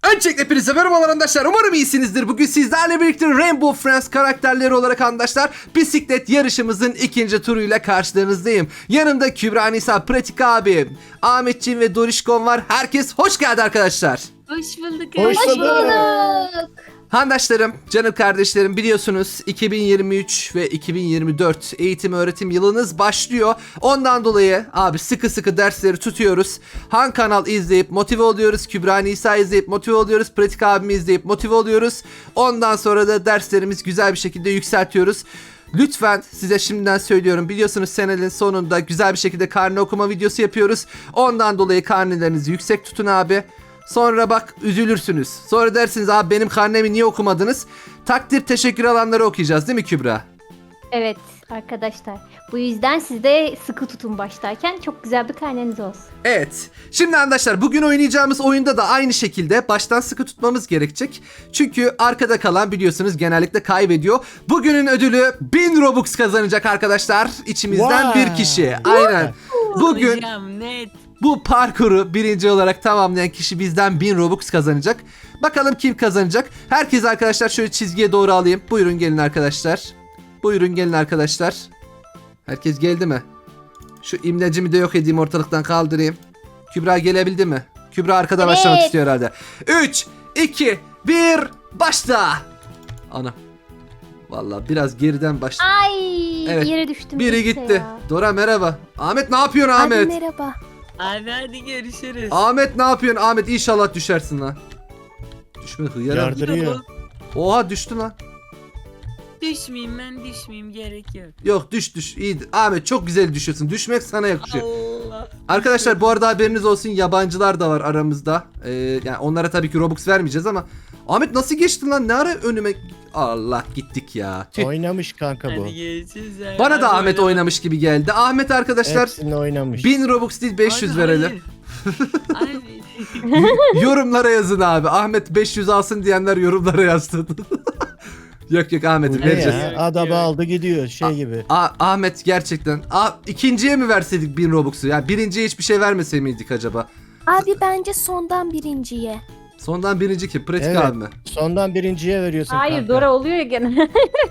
Öncelikle hepinize merhabalar arkadaşlar. Umarım iyisinizdir. Bugün sizlerle birlikte Rainbow Friends karakterleri olarak arkadaşlar bisiklet yarışımızın ikinci turuyla karşılarınızdayım. Yanımda Kübra Nisa, Pratik abi, Ahmetciğim ve Dorişkon var. Herkes hoş geldi arkadaşlar. Hoş bulduk. Hoş bulduk. Handaşlarım, canım kardeşlerim, biliyorsunuz 2023 ve 2024 eğitim öğretim yılınız başlıyor. Ondan dolayı abi sıkı sıkı dersleri tutuyoruz. Han kanal izleyip motive oluyoruz. Kübra Nisa izleyip motive oluyoruz. Pratik abimi izleyip motive oluyoruz. Ondan sonra da derslerimiz güzel bir şekilde yükseltiyoruz. Lütfen size şimdiden söylüyorum, biliyorsunuz senenin sonunda güzel bir şekilde karne okuma videosu yapıyoruz. Ondan dolayı karnelerinizi yüksek tutun abi. Sonra bak üzülürsünüz. Sonra dersiniz abi benim karnemi niye okumadınız? Takdir teşekkür alanları okuyacağız değil mi Kübra? Evet arkadaşlar. Bu yüzden siz de sıkı tutun başlarken, çok güzel bir karneniz olsun. Evet. Şimdi arkadaşlar bugün oynayacağımız oyunda da aynı şekilde baştan sıkı tutmamız gerekecek. Çünkü arkada kalan biliyorsunuz genellikle kaybediyor. Bugünün ödülü 1000 Robux kazanacak arkadaşlar. İçimizden bir kişi. Aynen. Bugün Hocam, net. bu parkuru birinci olarak tamamlayan kişi bizden 1000 Robux kazanacak. Bakalım kim kazanacak? Herkes arkadaşlar şöyle çizgiye doğru alayım. Buyurun gelin arkadaşlar. Buyurun gelin arkadaşlar. Herkes geldi mi? Şu imlecimi de yok edeyim, ortalıktan kaldırayım. Kübra gelebildi mi? Kübra arkada Evet. başlamak istiyor herhalde. 3, 2, 1, başla. Ana. Vallahi biraz geriden başla. Ay Evet, yere düştüm. Biri neyse gitti. ya. Dora merhaba. Ahmet ne yapıyorsun Ahmet? Hadi merhaba. Abi hadi görüşürüz. Ahmet ne yapıyorsun? Ahmet inşallah düşersin lan. Düşme hıyara. Yardırıyor. Oha düştü lan. Düşmeyeyim, ben düşmeyeyim, gerek yok. Yok düş iyi. Ahmet çok güzel düşüyorsun. Düşmek sana yakışıyor. Allah. Arkadaşlar bu arada haberiniz olsun, yabancılar da var aramızda. Yani onlara tabii ki Robux vermeyeceğiz ama Ahmet nasıl geçtin lan? Ne ara önüme... Allah gittik ya. Tüh. Oynamış kanka bu. Hadi görüşürüz abi. Bana da Hadi Ahmet oynama. oynamış gibi geldi. Ahmet arkadaşlar Hepsini oynamış. 1000 Robux değil 500 Abi, verelim. hayır. Abi. Yorumlara yazın abi. Ahmet 500 alsın diyenler yorumlara yazsın. Yok yok Ahmet Bu ne vereceğiz. ya? Adamı aldı gidiyor şey gibi. Ahmet gerçekten. İkinciye mi verseydik 1000 Robux'u? Yani birinciye hiçbir şey vermese miydik acaba? Abi bence sondan birinciye. Sondan birinci kim? Pratik Evet. abi mi? Sondan birinciye veriyorsun Hayır kanka. Dora oluyor ya gene.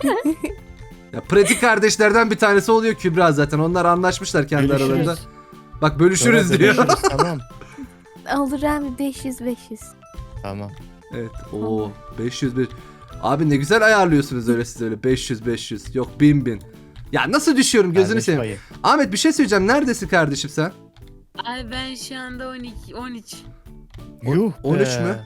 Ya pratik kardeşlerden bir tanesi oluyor Kübra zaten. Onlar anlaşmışlar kendi Bölüşürüz. aralarında. Bak bölüşürüz Dora, diyor. bölüşürüz, tamam. Olur abi 500. Tamam. Evet. Oo 500 bir. Abi ne güzel ayarlıyorsunuz öyle siz öyle 500 yok 1000. Ya nasıl düşüyorum gözünü Kardeş seveyim. payı. Ahmet bir şey söyleyeceğim. Neredesin kardeşim sen? Abi ben şu anda 12, 13. Yuh 13 be. mü?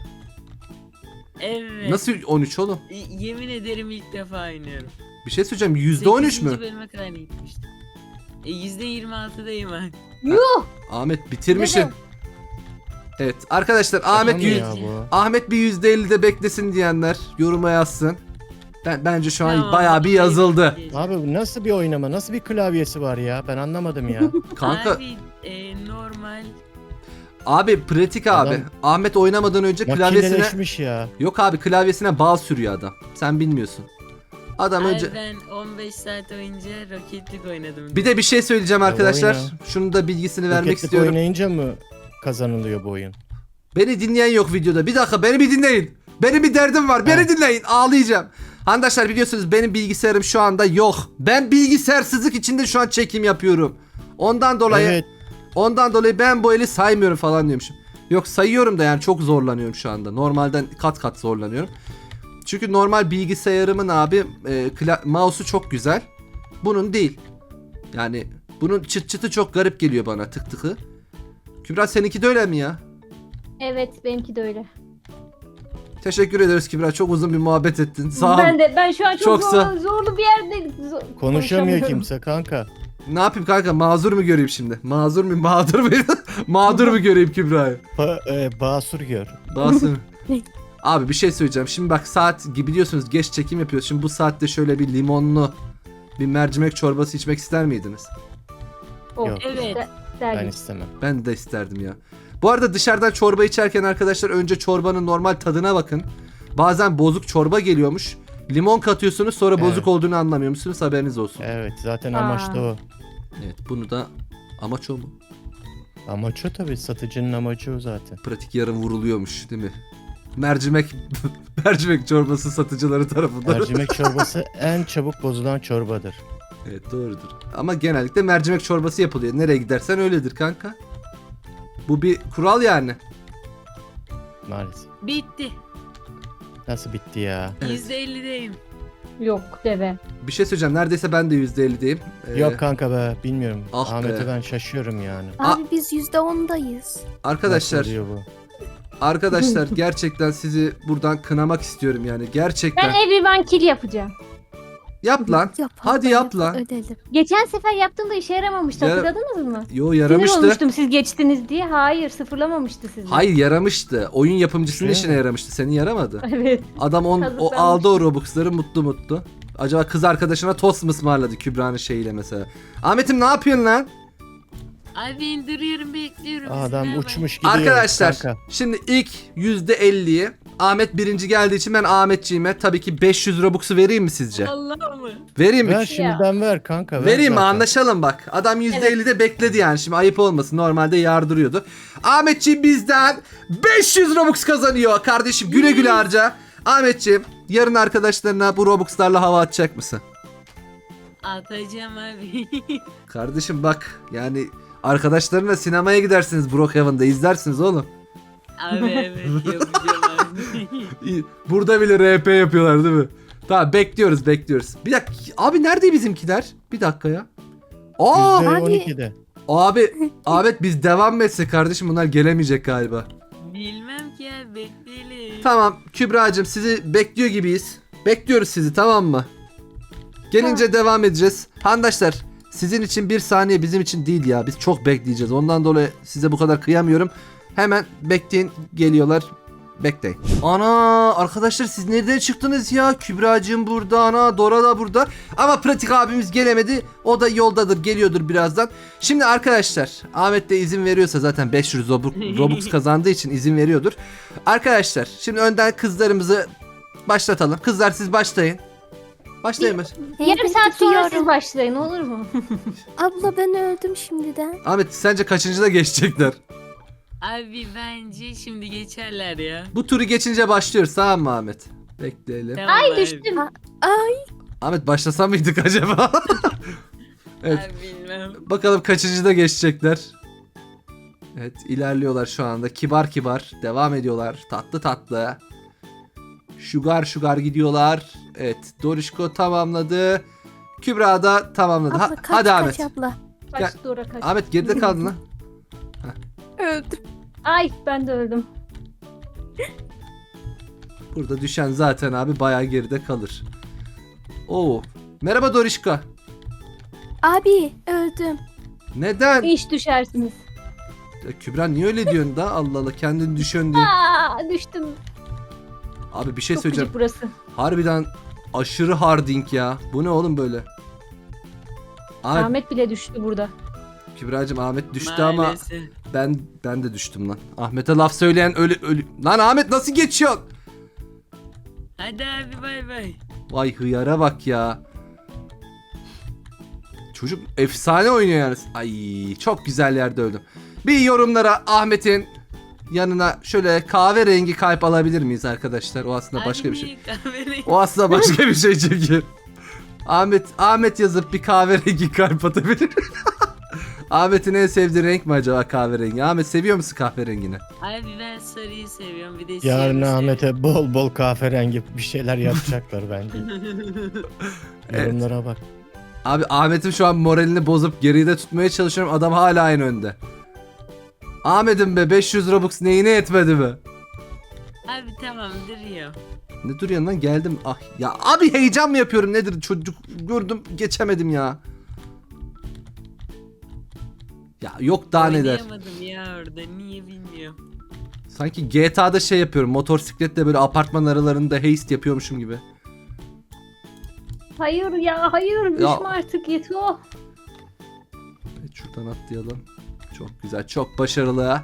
Evet. Nasıl 13 oğlum? Yemin ederim ilk defa oynuyorum. Bir şey söyleyeceğim. %13 8. mü? bölüme kadar gitmiştim. %26'dayım ben. Yuh. Ahmet bitirmişsin. Evet. Evet arkadaşlar Ahmet Tamam yüz- ya bu. Ahmet bir %50'de beklesin diyenler yoruma yazsın. Bence şu an Tamam, bayağı bir yazıldı. Abi bu nasıl bir oynama? Nasıl bir klavyesi var ya? Ben anlamadım ya. Kanka Abi normal. abi pratik abi. Adam- Ahmet oynamadan önce klavyesine Makineleşmiş ya. yok abi klavyesine bal sürüyor adam. Sen bilmiyorsun. Adam Abi önce ben 15 saat önce Rocket League oynadım. bir de bir şey söyleyeceğim Ya arkadaşlar. oyna. Şunu da bilgisini vermek Rocket League istiyorum. oynayınca mı kazanılıyor bu oyun? Beni dinleyen yok videoda. Bir dakika beni bir dinleyin. Benim bir derdim var. Beni Evet. dinleyin. Ağlayacağım. Arkadaşlar biliyorsunuz benim bilgisayarım şu anda yok. Ben bilgisayarsızlık içinde şu an çekim yapıyorum. Ondan dolayı Evet. ben bu eli saymıyorum falan diyormuşum. Yok sayıyorum da yani çok zorlanıyorum şu anda. Normalden kat kat zorlanıyorum. Çünkü normal bilgisayarımın abi mouse'u çok güzel. Bunun değil. Yani bunun çıt çıtı çok garip geliyor bana, tık tıkı. Kübra seninki de öyle mi ya? Evet benimki de öyle. Teşekkür ederiz Kübra. Çok uzun bir muhabbet ettin. Sağ ol. Ben şu an çok Çok sağ- zorlu bir yerde Konuşamıyor konuşamıyorum. kimse kanka. Ne yapayım kanka? Mazur mu göreyim şimdi? Mazur mu? Mağdur mu? Mağdur mu göreyim Kübra'yı? Basur gör. Basın. Abi bir şey söyleyeceğim. Şimdi bak saat gibi biliyorsunuz geç çekim yapıyoruz. Şimdi bu saatte şöyle bir limonlu bir mercimek çorbası içmek ister miydiniz? Oh, Yok. Evet. Ben derdim. istemem. Ben de isterdim ya. Bu arada dışarıdan çorba içerken arkadaşlar önce çorbanın normal tadına bakın. Bazen bozuk çorba geliyormuş. Limon katıyorsunuz sonra Evet. bozuk olduğunu anlamıyormuşsunuz, haberiniz olsun. Evet zaten Aa. amaç da o. Evet bunu da amaç o mu? Amaç o tabii, satıcının amacı o zaten. Pratik yarın vuruluyormuş değil mi? mercimek mercimek çorbası satıcıları tarafından. Mercimek çorbası en çabuk bozulan çorbadır. Evet doğrudur. Ama genellikle mercimek çorbası yapılıyor. Nereye gidersen öyledir kanka. Bu bir kural yani. Maalesef. Bitti. Nasıl bitti ya? Evet. %50'deyim. Yok deve. Bir şey söyleyeceğim. Neredeyse ben de %50'deyim. Yok kanka be bilmiyorum. ah be. Ahmet'e ben şaşıyorum yani. Aa. Abi biz %10'dayız. Arkadaşlar, Nasıl oluyor bu? arkadaşlar gerçekten sizi buradan kınamak istiyorum yani. Gerçekten. Ben everyone kill yapacağım. Yap lan. Yap, Hadi yap lan. Ödelim. Geçen sefer yaptığımda işe yaramamıştı. Yara- Hatırladınız mı? Yo Sinir yaramıştı. olmuştum siz geçtiniz diye. Hayır, sıfırlamamıştı sizi. Hayır yaramıştı. Oyun yapımcısının Şey işine mi? yaramıştı. Senin yaramadı. Evet. Adam o Kazıklanmış. aldı o Robux'ları mutlu mutlu. Acaba kız arkadaşına tost mu ısmarladı Kübra'nın şeyiyle mesela. Ahmet'im ne yapıyorsun lan? Abi indiriyorum bekliyorum. Adam Merhaba. uçmuş gidiyor Arkadaşlar kanka. şimdi ilk %50'yi Ahmet birinci geldiği için ben Ahmetciğime tabii ki 500 Robux'u vereyim mi sizce? Allah mı? Vereyim mi? Ver şimdiden ver kanka. Ver Vereyim mi? zaten. Anlaşalım bak. Adam %50'de bekledi yani. Şimdi ayıp olmasın. Normalde yardırıyordu. Ahmetciğim bizden 500 Robux kazanıyor. Kardeşim güle güle harca. Ahmetciğim yarın arkadaşlarına bu Robux'larla hava atacak mısın? Atacağım abi. Kardeşim bak yani arkadaşlarınla sinemaya gidersiniz Brookhaven'da izlersiniz oğlum. Abi evet yapacağım abi. İyi, burada bile RP yapıyorlar değil mi? Tamam bekliyoruz. Bir dakika abi nerede bizimkiler? Bir dakika ya. Aa %12'de. abi Ahmet biz devam mı etsek kardeşim bunlar gelemeyecek galiba. Bilmem ki abi bekleyelim. Tamam Kübra'cığım sizi bekliyor gibiyiz. Bekliyoruz sizi tamam mı? Gelince devam edeceğiz. Handaşlar sizin için bir saniye bizim için değil ya. Biz çok bekleyeceğiz. Ondan dolayı size bu kadar kıyamıyorum. Hemen bekleyin geliyorlar. Bekleyin. Ana arkadaşlar siz nereden çıktınız ya? Kübra'cığım burada, ana Dora da burada. Ama pratik abimiz gelemedi. O da yoldadır, geliyordur birazdan. Şimdi arkadaşlar Ahmet de izin veriyorsa zaten 500 Robux kazandığı için izin veriyordur. Arkadaşlar şimdi önden kızlarımızı başlatalım. Kızlar siz başlayın. Başlayın. Yarım saat sonra gidiyorum. siz başlayın olur mu? Abla ben öldüm şimdiden. Ahmet sence kaçıncıda geçecekler? Abi bence şimdi geçerler ya. Bu turu geçince başlıyoruz tamam mı Ahmet? Bekleyelim. Tamam Ay abi. düştüm. Ay Ahmet başlasa mıydık acaba? Evet. Abi bilmem. Bakalım kaçıncıda geçecekler. Evet ilerliyorlar şu anda. Kibar kibar devam ediyorlar. Tatlı tatlı. Sugar gidiyorlar. Evet Dorişko tamamladı. Kübra da tamamladı. abla kaç Hadi Ahmet. kaç abla. Kaç Dora kaç. Ahmet geride kaldın lan. Öldüm. Ay ben de öldüm. Burada düşen zaten abi bayağı geride kalır. Oo. Merhaba Dorişko. Abi öldüm. Neden? İş düşersiniz. Ya Kübra niye öyle diyorsun da? Allah Allah kendini düşün diye. Aa düştüm. Abi bir şey Çok söyleyeceğim. gıcık burası. Harbiden aşırı harding ya. Bu ne oğlum böyle? Ahmet, Ahmet bile düştü burada. Kübra'cığım Ahmet düştü ama Maalesef. ben de düştüm lan. Ahmet'e laf söyleyen ölü. Lan Ahmet nasıl geçiyorsun? Hadi abi bay bay. Vay hıyara bak ya. Çocuk efsane oynuyor yani. Ay çok güzel yerde öldüm. Bir yorumlara Ahmet'in yanına şöyle kahverengi kalp alabilir miyiz arkadaşlar? O aslında başka bir şey. O aslında başka bir şey çünkü. Ahmet yazıp bir kahverengi kalp atabilir. Ahmet'in en sevdiği renk mi acaba kahverengi? Ahmet seviyor musun kahverengini? Abi ben sarıyı seviyorum bir de siyahı Yarın seviyorum. Ahmet'e bol bol kahverengi bir şeyler yapacaklar bence. Evet. Yorumlara bak. Abi Ahmet'in şu an moralini bozup geride tutmaya çalışıyorum. Adam hala aynı önde. Ahmet'im be 500 Robux neyine yetmedi mi? Abi tamam duruyor. Ne duruyorsun lan geldim. Ah ya abi heyecan mı yapıyorum nedir çocuk gördüm geçemedim ya. Ya yok daha neler. Oynayamadım ya orada niye bilmiyorum. Sanki GTA'da şey yapıyorum motosikletle böyle apartman aralarında heist yapıyormuşum gibi. Hayır ya hayır düşme artık yeter. Evet, şuradan atlayalım. Çok güzel çok başarılı.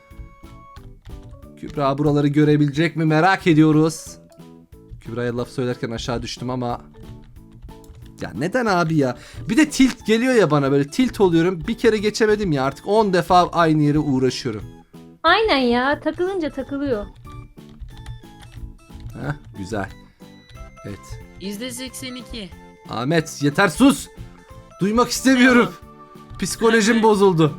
Kübra buraları görebilecek mi merak ediyoruz. Kübra'ya laf söylerken aşağı düştüm ama ya neden abi ya? Bir de tilt geliyor ya bana böyle tilt oluyorum. Bir kere geçemedim ya artık 10 defa aynı yere uğraşıyorum. Aynen ya takılınca takılıyor. Heh, güzel. Evet. %82. Ahmet yeter sus. Duymak istemiyorum. Psikolojim bozuldu.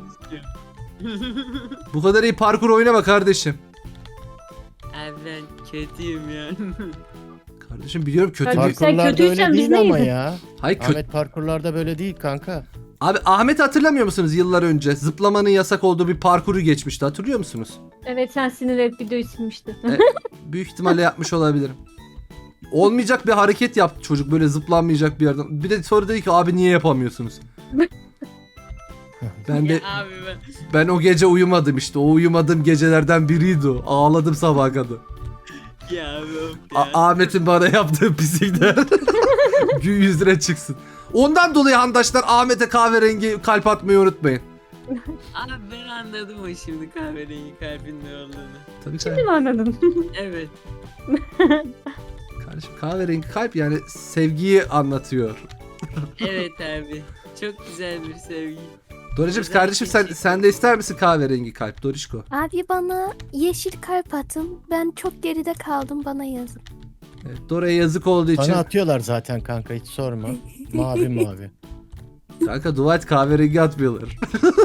Bu kadar iyi parkur oynama kardeşim. Abi ben kötüyüm ya. Kardeşim biliyorum kötü Kardeşim, bir... sen Parkurlarda kötüysen öyle biz değil ama neyiz? ya. Hayır kötü. Ahmet parkurlarda böyle değil kanka. Abi Ahmet'i hatırlamıyor musunuz yıllar önce? Zıplamanın yasak olduğu bir parkuru geçmişti. Hatırlıyor musunuz? Evet sen sinirlenip videoyu silmiştin. Büyük ihtimalle yapmış olabilirim. Olmayacak bir hareket yaptı çocuk böyle zıplanmayacak bir yerden. Bir de sonra dedi ki abi niye yapamıyorsunuz? Ben de Ya abi ben o gece uyumadım işte. O uyumadığım gecelerden biriydi o. Ağladım sabaha kadar. ya abi of ya. Ahmet'in bana yaptığı pislikler gün yüzüne çıksın. Ondan dolayı handaşlar Ahmet'e kahverengi kalp atmayı unutmayın. Abi ben anladım o şimdi kahverengi kalbin ne olduğunu. Tabii Şimdi mi anladın? Evet. kardeşim kahverengi kalp yani sevgiyi anlatıyor. Evet abi. Çok güzel bir sevgi. Doracığım Güzel kardeşim sen, seçim. sen de ister misin kahverengi kalp Dorişko? Abi bana yeşil kalp atın. Ben çok geride kaldım, bana yazın. Evet, Dora'ya yazık olduğu için. Bana atıyorlar zaten kanka, hiç sorma. Mavi mavi. Kanka dua et kahverengi atmıyorlar.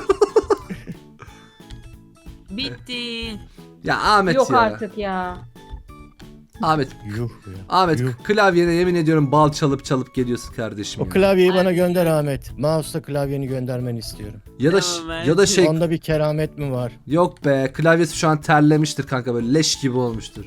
Bitti. Ya Ahmet Yok ya. artık ya. Ahmet. Yuh ya. Ahmet Yuh. klavyene yemin ediyorum bal çalıp çalıp geliyorsun kardeşim. O ya. klavyeyi bana Abi. gönder Ahmet. Mouse'la klavyeni göndermeni istiyorum. Ya da Tamam, abi. ya da şey Onda bir keramet mi var? yok be klavyesi şu an terlemiştir kanka böyle leş gibi olmuştur.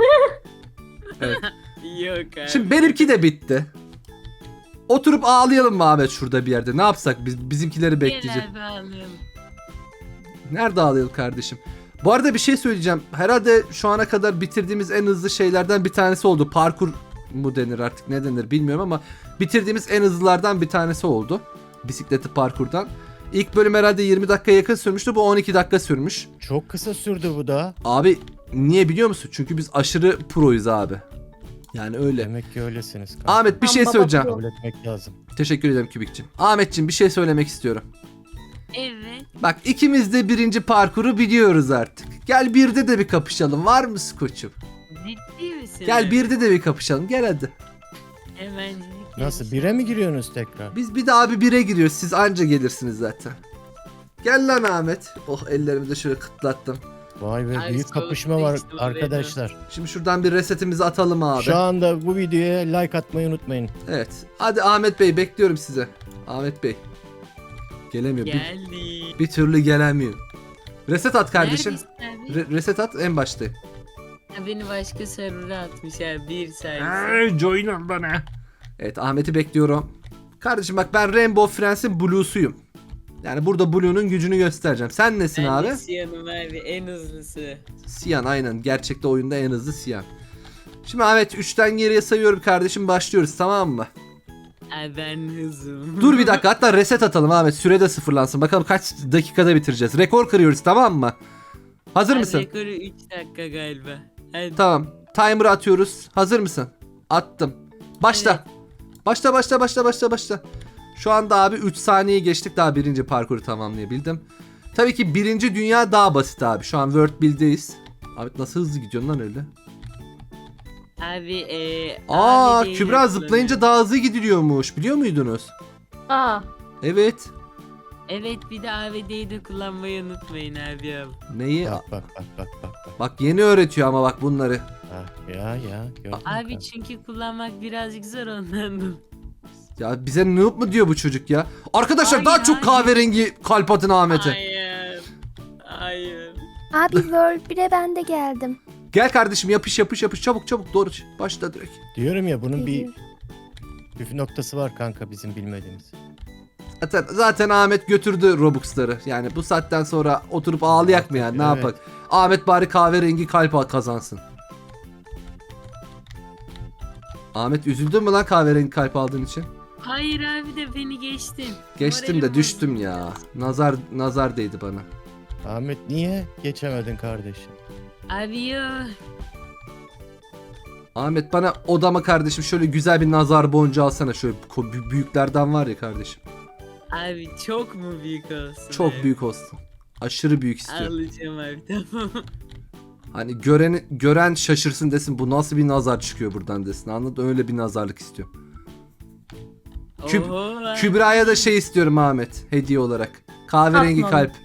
Evet. Yok abi. Şimdi benimki de bitti. Oturup ağlayalım mı Ahmet şurada bir yerde? Ne yapsak biz bizimkileri bekleyeceğiz. Gel abi alayım. Nerede ağlayalım kardeşim? Bu arada bir şey söyleyeceğim. Herhalde şu ana kadar bitirdiğimiz en hızlı şeylerden bir tanesi oldu. Parkur mu denir artık ne denir bilmiyorum ama bitirdiğimiz en hızlılardan bir tanesi oldu. Bisikleti parkurdan. İlk bölüm herhalde 20 dakika yakın sürmüştü. Bu 12 dakika sürmüş. Çok kısa sürdü bu da. Abi niye biliyor musun? Çünkü biz aşırı proyuz abi. Yani öyle. Demek ki öylesiniz kanka. Ahmet bir şey Baba söyleyeceğim. pro. Kabul etmek lazım. Teşekkür ederim Kübikçim. Ahmetçim bir şey söylemek istiyorum. Evet. Bak ikimiz de birinci parkuru biliyoruz artık. Gel birde de bir kapışalım. Var mısın koçum? Ciddi misin? Gel abi? birde de bir kapışalım. Gel hadi. Hemencilik Nasıl, yarışı. bire mi giriyorsunuz tekrar? Biz bir daha bir bire giriyoruz. Siz anca gelirsiniz zaten. Gel lan Ahmet. Oh ellerimi de şöyle kıtlattım. Vay be, Abi büyük soğuk kapışma var değişti bu arkadaşlar. Şimdi şuradan bir resetimizi atalım abi. Şu anda bu videoya like atmayı unutmayın. Evet. Hadi Ahmet Bey bekliyorum size. Ahmet Bey. Gelemiyor. Geldi. Bir türlü gelemiyor. Reset at kardeşim. Neredesin abi? Reset at en başta. Ha, beni başka server'a atmış abi. Bir sayısı. Join bana. Evet Ahmet'i bekliyorum. Kardeşim bak ben Rainbow Friends'in Blue'suyum. Yani burada Blue'nun gücünü göstereceğim. Sen nesin Ben abi? de Siyan'ım abi en hızlısı. Siyan aynen. Gerçekte oyunda en hızlı Siyan. Şimdi Ahmet 3'ten geriye sayıyorum kardeşim. Başlıyoruz tamam mı? Abi ben hızım. Dur bir dakika hatta reset atalım Ahmet. Süre de sıfırlansın. Bakalım kaç dakikada bitireceğiz. Rekor kırıyoruz tamam mı? Hazır Abi mısın? Rekoru 3 dakika galiba. Hadi. Tamam. Timer atıyoruz. Hazır mısın? Attım. Başla. Başla. Şu anda abi 3 saniye geçtik daha birinci parkuru tamamlayabildim. Tabii ki birinci dünya daha basit abi. Şu an World Build'deyiz. Abi nasıl hızlı gidiyorsun lan öyle? Abi Aa abi Kübra zıplayınca daha hızlı gidiliyormuş. Biliyor muydunuz? Aa. Evet. Evet bir de AVD'yi de kullanmayı unutmayın abi ya. Neyi? Bak. Bak yeni öğretiyor ama bak bunları. Ah, ya gördün mü Abi kanka? çünkü kullanmak birazcık zor ondan. Ya bize noob mu diyor bu çocuk ya? Arkadaşlar Hayır, daha çok hayır. kahverengi kalp atın Ahmet'e. Hayır. Hayır. Abi World 1'e ben de geldim. Gel kardeşim yapış çabuk doğru başla direkt. Diyorum ya, bunun bir Geliyorum. püf noktası var kanka bizim bilmediğimiz. Zaten Ahmet götürdü Robux'ları. Yani bu saatten sonra oturup ağlayak mı yani ne Evet. yapak? Ahmet bari kahverengi kalp kazansın. Ahmet üzüldün mü lan kahverengi kalp aldığın için? Hayır abi de beni geçtin. Geçtim de Moralim düştüm bozuldu. ya. Nazar değdi bana. Ahmet niye geçemedin kardeşim? Abi yo. Ahmet bana odama kardeşim şöyle güzel bir nazar boncuğu alsana. Şöyle büyüklerden var ya kardeşim. Abi çok mu büyük olsun? Çok abi? büyük olsun. Aşırı büyük istiyorum. Alacağım abi tamam. Hani gören şaşırsın desin, bu nasıl bir nazar çıkıyor buradan desin. Anladın? Öyle bir nazarlık istiyorum. Oho. Kübra'ya da şey istiyorum Ahmet, hediye olarak. Kahverengi Atnalı. kalp.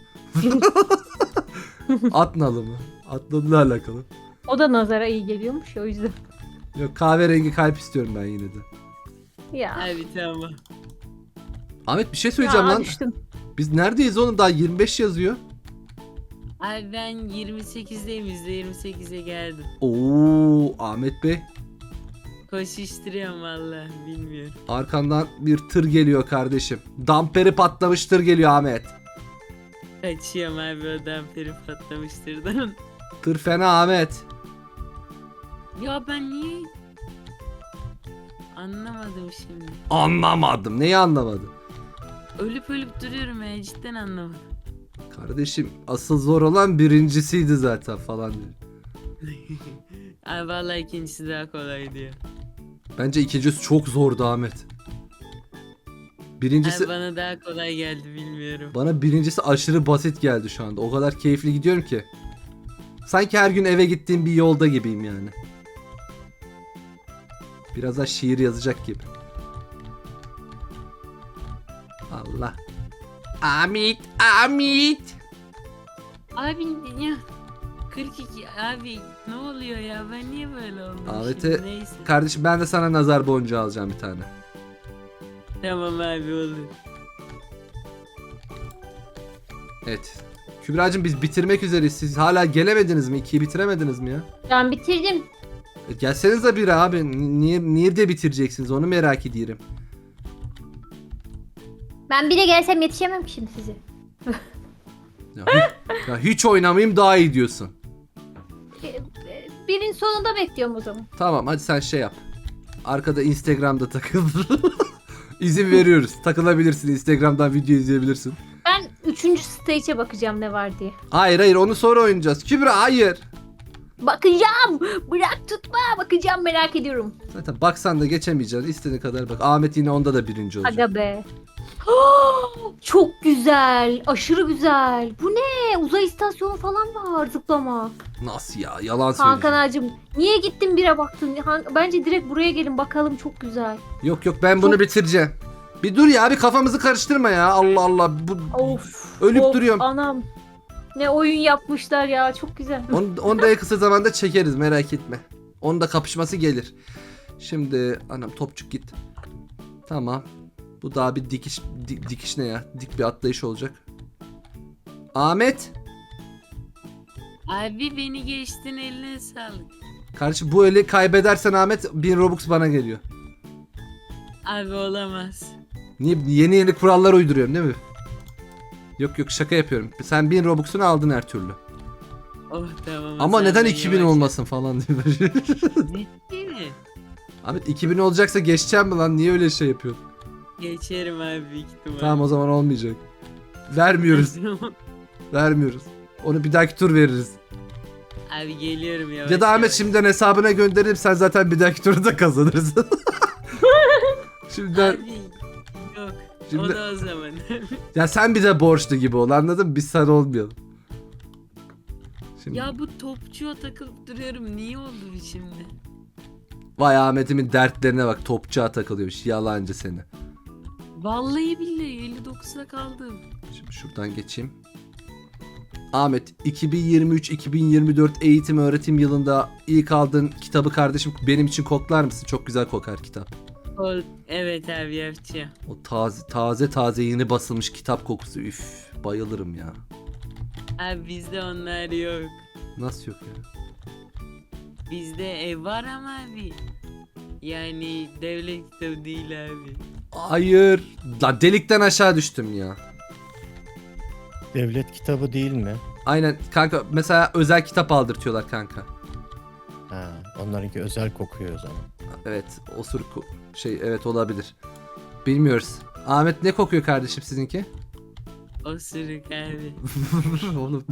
Atnalı mı? Atnalı'la alakalı. O da nazara iyi geliyormuş o yüzden. Yok, kahverengi kalp istiyorum ben yine de. Ya. Abi tamam. Ahmet bir şey söyleyeceğim Ya, lan. düştüm. Biz neredeyiz oğlum? Daha 25 yazıyor. Abi ben 28'deyim, %28'e geldim. Oo, Ahmet Bey. Koşuşturuyorum valla, bilmiyorum. Arkandan bir tır geliyor kardeşim. Damperi patlamış tır geliyor Ahmet. Kaçıyorum abi, o damperi patlamıştırdan. Tır fena Ahmet. Ya ben niye... Anlamadım şimdi. Anlamadım. Neyi anlamadım? Ölüp duruyorum ya, cidden anlamadım. Kardeşim asıl zor olan birincisiydi zaten falan diyor. Abi valla ikincisi daha kolay diyor. Bence ikincisi çok zordu Ahmet. Birincisi Abi bana daha kolay geldi, bilmiyorum. bana birincisi aşırı basit geldi şu anda. O kadar keyifli gidiyorum ki. Sanki her gün eve gittiğim bir yolda gibiyim yani. Biraz da şiir yazacak gibi. Allah. Amit, Amit. Abi ya 42 abi, ne oluyor ya, ben niye böyle oldum Ahmet'e- şimdi? Neyse. Kardeşim ben de sana nazar boncuğu alacağım bir tane. Tamam abi, olur. Evet. Kübra'cığım biz bitirmek üzereyiz. Siz hala gelemediniz mi? 2'yi bitiremediniz mi ya? Ben bitirdim. Gelsenize bir abi. Niye de bitireceksiniz? Onu merak ediyorum. Ben bir de gelsem yetişemem ki şimdi size. Ya hiç oynamayayım daha iyi diyorsun. Birin sonunda bekliyorum o zaman. Tamam hadi sen şey yap. Arkada Instagram'da takıl. İzin veriyoruz. Takılabilirsin. Instagram'dan video izleyebilirsin. Ben 3. stage'e bakacağım ne var diye. Hayır onu sonra oynayacağız. Kübra hayır. Bakacağım. Bırak tutma. Bakacağım, merak ediyorum. Zaten baksan da geçemeyeceksin. İstediğin kadar bak. Ahmet yine onda da birinci olacak. Aga be. Çok güzel. Aşırı güzel. Bu ne? Uzay istasyonu falan var, zıplama. Nasıl ya? Yalan Hakan söylüyorsun. ağacım, niye gittin bire baktın? Bence direkt buraya gelin bakalım, çok güzel. Yok ben bunu bitireceğim. Bir dur ya, bir kafamızı karıştırma ya. Allah Allah. Of. Ölüp of, duruyorum. Anam. Ne oyun yapmışlar ya, çok güzel. Onu da en kısa zamanda çekeriz, merak etme. Onun da kapışması gelir. Şimdi anam topçuk git. Tamam. Bu daha bir dikiş ne ya? Dik bir atlayış olacak. Ahmet. Abi beni geçtin, eline sağlık. Kardeşim bu eli kaybedersen Ahmet 1000 Robux bana geliyor. Abi olamaz. Niye yeni kurallar uyduruyorsun değil mi? Yok şaka yapıyorum. Sen 1000 Robux'unu aldın her türlü. Oh tamam. Ama sen neden de 2000 yavaş- olmasın falan diye. Ciddi mi? Ahmet 2000 olacaksa geçeceğim mi lan? Niye öyle şey yapıyorsun? Geçerim abi, büyük ihtimal. Tamam o zaman olmayacak. Vermiyoruz. Vermiyoruz. Onu bir dahaki tur veririz. Abi geliyorum yavaş. Ya da Ahmet yavaş. şimdiden hesabına gönderip sen zaten bir dahaki turu da kazanırsın. Şimdiden Abi yok. Şimdi- O da o zaman. ya sen bir de borçlu gibi ol, anladın mı? Biz sana olmayalım. Şimdi Ya bu topçuya takılıp duruyorum. Niye oldu bu şimdi? vay Ahmet'imin dertlerine bak, topçuğa takılıyormuş, yalancı seni. Vallahi billahi 59'a kaldım. Şimdi şuradan geçeyim. Ahmet 2023-2024 eğitim öğretim yılında ilk aldığın kitabı kardeşim benim için koklar mısın? Çok güzel kokar kitap. Evet abi, yapacağım. O taze yeni basılmış kitap kokusu. Üf, bayılırım ya. Abi bizde onlar yok. Nasıl yok ya? Bizde ev var ama abi. Yani devlet kitabı değil abi. Hayır. La delikten aşağı düştüm ya. Devlet kitabı değil mi? Aynen kanka, mesela özel kitap aldırtıyorlar kanka. Ha, onlarınki özel kokuyor o zaman. Evet evet olabilir. Bilmiyoruz. Ahmet ne kokuyor kardeşim sizinki? Osuruk abi. Oğlum.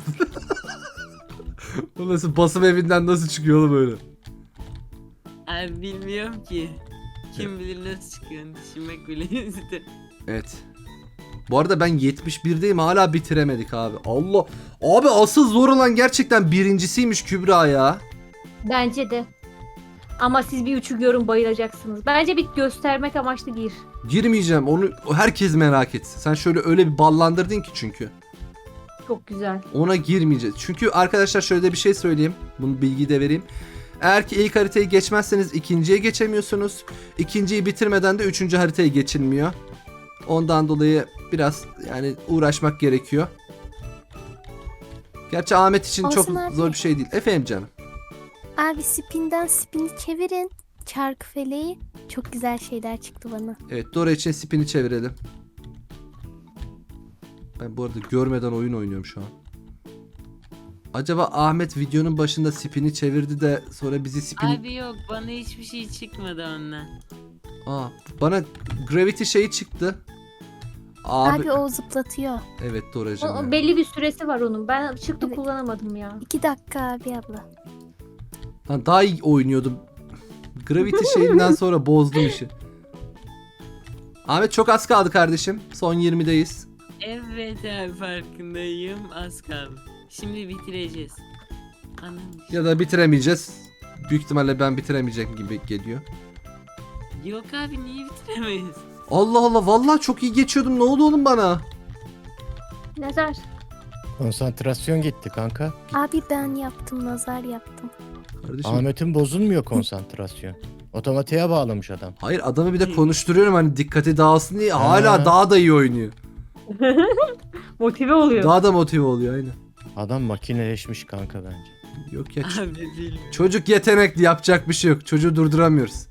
Bu nasıl basım evinden nasıl çıkıyor oğlum öyle? Abi bilmiyorum ki. Kim bilir nasıl çıkıyor, düşünmek bile istedim. Evet. Bu arada ben 71'deyim, hala bitiremedik abi. Allah. Abi asıl zor olan gerçekten birincisiymiş Kübra ya. Bence de. Ama siz bir üçü görün, bayılacaksınız. Bence bir göstermek amaçlı gir. Girmeyeceğim, onu herkes merak etsin. Sen şöyle öyle bir ballandırdın ki çünkü. Çok güzel. Ona girmeyeceğiz. Çünkü arkadaşlar şöyle de bir şey söyleyeyim. Bunu bilgiyi de vereyim. Eğer ki ilk haritayı geçmezseniz ikinciye geçemiyorsunuz. İkinciyi bitirmeden de üçüncü haritaya geçilmiyor. Ondan dolayı biraz yani uğraşmak gerekiyor. Gerçi Ahmet için Olsun çok abi. zor bir şey değil. Efendim canım. Abi spinden spini çevirin. Çarkı feleği. Çok güzel şeyler çıktı bana. Evet, Dora için spini çevirelim. Ben bu arada görmeden oyun oynuyorum şu an. Acaba Ahmet videonun başında spini çevirdi de sonra bizi spin... Abi yok, bana hiçbir şey çıkmadı ondan. Aa, bana Gravity şeyi çıktı. Abi o zıplatıyor. Evet Doracığım. O ya. belli bir süresi var onun. Ben çıktı Evet. kullanamadım ya. 2 dakika abi abla. Lan daha iyi oynuyordum. Gravity şeyinden sonra bozdum işi. Ahmet çok az kaldı kardeşim. Son 20'deyiz. Evet abi, farkındayım, az kaldı. Şimdi bitireceğiz. Anam. Ya da bitiremeyeceğiz. Büyük ihtimalle ben bitiremeyecek gibi geliyor. Yok abi, niye bitiremeyiz? Allah Allah, vallahi çok iyi geçiyordum. Ne oldu oğlum bana? Nazar. Konsantrasyon gitti kanka. Abi ben yaptım, nazar yaptım. Kardeşim. Ahmet'in bozulmuyor konsantrasyon. Otomatiğe bağlamış adam. Hayır, adamı bir de konuşturuyorum hani dikkati dağılsın diye. Hala Ha. daha da iyi oynuyor. Motive oluyor. Daha da motive oluyor aynen. Adam makineleşmiş kanka bence. Yok ya. Abi bilmiyorum. Çocuk yetenekli, yapacak bir şey yok. Çocuğu durduramıyoruz.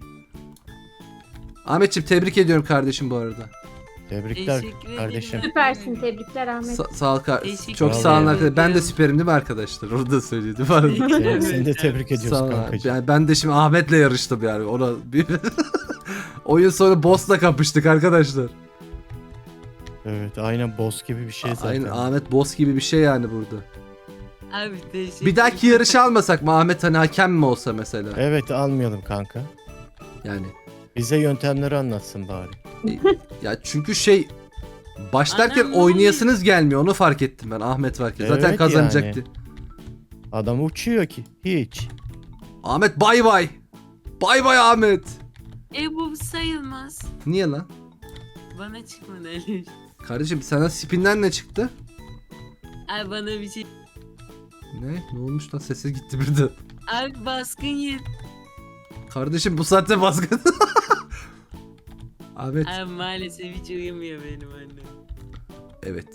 Ahmetciğim tebrik ediyorum kardeşim bu arada. Tebrikler Teşekkür ederim. kardeşim. Süpersin, tebrikler Ahmet. Sağ ol Teşekkür çok ederim. sağ olun arkadaşlar. Ben de süperim değil mi arkadaşlar? Orada da söyledim. Seni de tebrik ediyoruz Sağ ol. kankacığım. Yani ben de şimdi Ahmet'le yarıştım yani. Ona bir oyun sonu boss'la kapıştık arkadaşlar. Evet, aynen boss gibi bir şey zaten. Aynen, Ahmet boss gibi bir şey yani burada. Abi teşekkür Bir dahaki yarışı almasak mı Ahmet, hani hakem mi olsa mesela? Evet, almayalım kanka. Yani Bize yöntemleri anlatsın bari. ya çünkü şey başlarken Anam, ne oynayasınız gelmiyor, onu fark ettim ben Ahmet varken. Zaten Evet kazanacaktı. Adam uçuyor ki. Hiç. Ahmet bay bay. Bay bay Ahmet. Bu sayılmaz. Niye lan? Bana çıkmadı öyle. Kardeşim sana spinden ne çıktı? Abi bana bir şey... Ne? Ne olmuş lan? Sesi gitti birden. Abi baskın yer. Kardeşim bu saatte baskın. Ahmet. Abi maalesef hiç uyumuyor benim annem. Evet.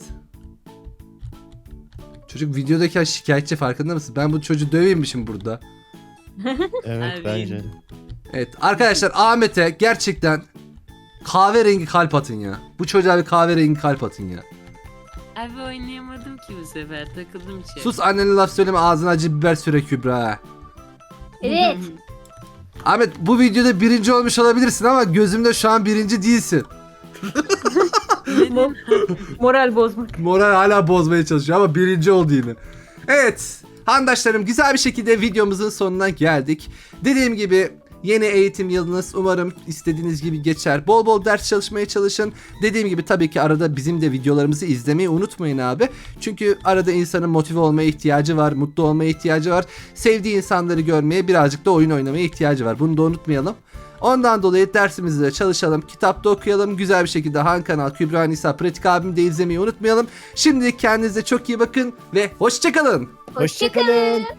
Çocuk videodayken şikayetçi, farkında mısın? Ben bu çocuğu döveymişim burada. Evet Abi. bence de. Evet arkadaşlar, Ahmet'e gerçekten kahverengi kalp atın ya. Bu çocuğa bir kahverengi kalp atın ya. Abi oynayamadım ki bu sefer, takıldım içeri. Sus, annene laf söyleme, ağzına acı biber süre Kübra. Evet. Ahmet bu videoda birinci olmuş olabilirsin ama gözümde şu an birinci değilsin. Neden? Moral bozmak. Moral hala bozmaya çalışıyor ama birinci oldu yine. Evet handaşlarım, güzel bir şekilde videomuzun sonuna geldik. Dediğim gibi yeni eğitim yılınız umarım istediğiniz gibi geçer. Bol bol ders çalışmaya çalışın. Dediğim gibi tabii ki arada bizim de videolarımızı izlemeyi unutmayın abi. Çünkü arada insanın motive olmaya ihtiyacı var, mutlu olmaya ihtiyacı var. Sevdiği insanları görmeye, birazcık da oyun oynamaya ihtiyacı var. Bunu da unutmayalım. Ondan dolayı dersimizi de çalışalım, kitapta okuyalım. Güzel bir şekilde Han Kanal, Kübra Nisa, Pratik abim de izlemeyi unutmayalım. Şimdilik kendinize çok iyi bakın ve hoşçakalın. Hoşçakalın.